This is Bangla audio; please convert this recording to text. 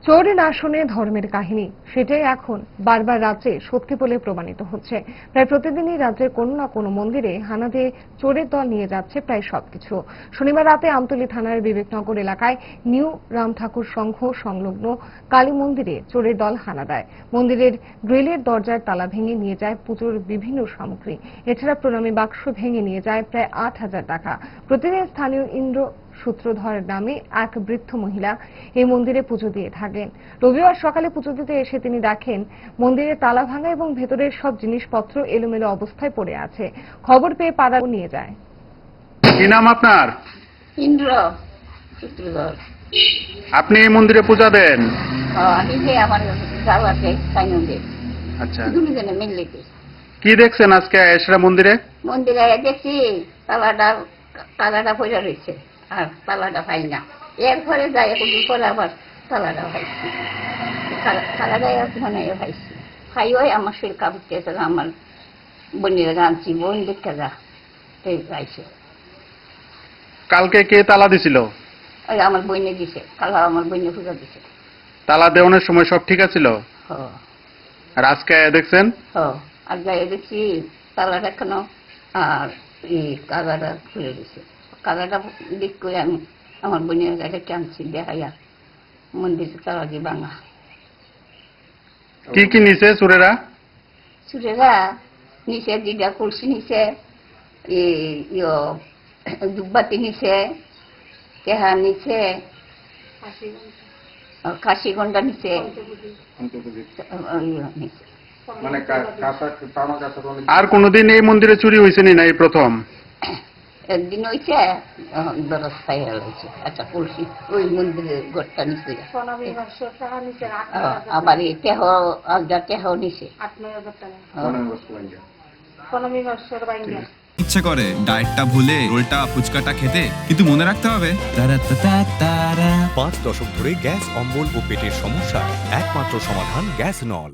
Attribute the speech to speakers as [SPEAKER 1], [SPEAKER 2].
[SPEAKER 1] চোরের আসনে ধর্মের কাহিনী সেটাই এখন বারবার রাজ্যে সত্যি বলে প্রমাণিত হচ্ছে। প্রায় প্রতিদিনই রাজ্যের কোনো না কোনো মন্দিরে হানা দিয়ে চোরের দল নিয়ে যাচ্ছে প্রায় সবকিছু। শনিবার রাতে আমতলী থানার বিবেকনগর এলাকায় নিউ রাম ঠাকুর সংঘ সংলগ্ন কালী মন্দিরে চোরের দল হানা দেয়। মন্দিরের গ্রিলের দরজার তালা ভেঙে নিয়ে যায় পুজোর বিভিন্ন সামগ্রী। এছাড়া প্রণামী বাক্স ভেঙে নিয়ে যায় প্রায় ৮,০০০ টাকা। প্রতিদিন স্থানীয় ইন্দ্র সূত্রধর নামে এক বৃদ্ধ মহিলা এই মন্দিরে পুজো দিয়ে থাকেন। রবিবার সকালে পুজো দিতে এসে তিনি দেখেন মন্দিরে তালা ভাঙা এবং ভেতরের সব জিনিসপত্র এলোমেলো অবস্থায় পড়ে আছে। খবর পেয়ে পাড়া নিয়ে যায়।
[SPEAKER 2] কি নাম আপনার?
[SPEAKER 3] ইন্দ্র সূত্রধর।
[SPEAKER 2] আপনি এই মন্দিরে পূজা দেন?
[SPEAKER 3] আমি যে আমার যাওয়াতে সাইনন্দে
[SPEAKER 2] আচ্ছা,
[SPEAKER 3] দুজনে মিললেতে
[SPEAKER 2] কি দেখছেন আজকে এসরা মন্দিরে?
[SPEAKER 3] মন্দিরে দেখছি তালাটা পড়ে রয়েছে আর তালাটা পাই না। এরপরে যাই একদিন পরে আবার তালাটা পাইছি। তালাটা মানে পাইছি খাইও আমার শরীর কাঁপতে আমার বোনের আনছি, বোন দেখতে যা পাইছে।
[SPEAKER 2] কালকে কে তালা দিছিল?
[SPEAKER 3] ওই আমার বইনে দিছে, কাল আমার বইনে পূজা দিছে।
[SPEAKER 2] তালা দেওয়ানোর সময় সব ঠিক আছিল?
[SPEAKER 3] হ
[SPEAKER 2] আর আজকে দেখছেন?
[SPEAKER 3] আর যাই দেখছি তালাটা এখনো আর এই কাগাটা খুলে দিছে। কাগাটা দিক করে আমি আমার বোনের কাছে টানছি দেখাইয়া মন্দিরে তালা দিয়ে ভাঙা।
[SPEAKER 2] কি কি নিছে চোরেরা?
[SPEAKER 3] চুরেরা নিচে দিদা কলসি নিছে, দুব্বাতি নিছে, তেহা নিছে, কাশি গন্ডা নিছে, নিছে।
[SPEAKER 2] আর কোনদিন এই মন্দিরে চুরি হয়েছে না এই প্রথম?
[SPEAKER 3] একদিন হয়েছে দরজ খাইয়া হয়েছে। আচ্ছা কলসি ওই মন্দিরের গোটটা নিছে। আবার এই তেহ আলদা তেহ নিছে।
[SPEAKER 4] ইচ্ছে করে ডায়েটটা ভুলে রোলটা ফুচকাটা খেতে, কিন্তু মনে রাখতে হবে
[SPEAKER 5] 5 দশক ধরে গ্যাস অম্বল ও পেটের সমস্যা একমাত্র সমাধান গ্যাস নল।